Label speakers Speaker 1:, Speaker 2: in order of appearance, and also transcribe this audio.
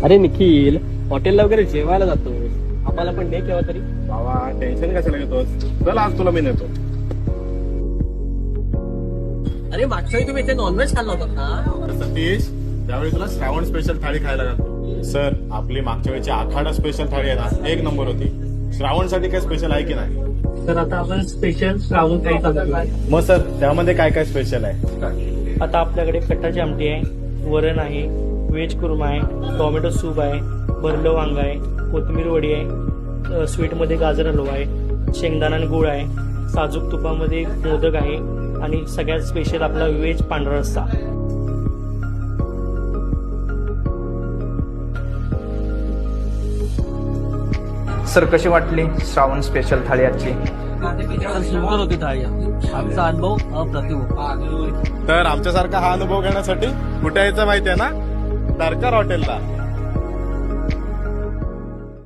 Speaker 1: अरे निखिल, हॉटेलला वगैरे जेवायला जातो, आम्हाला पण दे केव्हा तरी.
Speaker 2: बाबा टेन्शन कशाला घेतोस? चल आज तुला मी नेतो.
Speaker 1: अरे मागच्या वेळी तुम्ही इथे नॉनव्हेज खाल्ला होता ना?
Speaker 2: सतीश, त्यावेळी तुला श्रावण स्पेशल थाळी खायला घालतो. सर, आपली मागच्या वेळची आखाडा स्पेशल थाळी आहे ना, एक नंबर होती. श्रावणसाठी काय स्पेशल आहे की नाही?
Speaker 3: तर आता आपण स्पेशल श्रावण काही चालू आहे.
Speaker 2: मग सर, त्यामध्ये काय काय स्पेशल आहे?
Speaker 3: आता आपल्याकडे कट्टाची आमटी आहे, वरण आहे, व्हेज कुर्मा आहे, टोमॅटो सूप आहे, भरलं वांग आहे, कोथिंबीर वडी आहे, स्वीटमध्ये गाजर हलवा आहे, शेंगदाणा आणि गुळ आहे, साजूक तुपामध्ये मोदक आहे आणि सगळ्यात स्पेशल आपला व्हेज पांढरा रस्सा.
Speaker 4: सर कशी वाटली श्रावण स्पेशल थाळी आजची?
Speaker 1: सुंदर होती थाळी, आमचा अनुभव अप्रतिम होता.
Speaker 2: तर आमच्यासारखा हा अनुभव घेण्यासाठी कुठे यायचं माहितीये ना? दरकार हॉटेलला.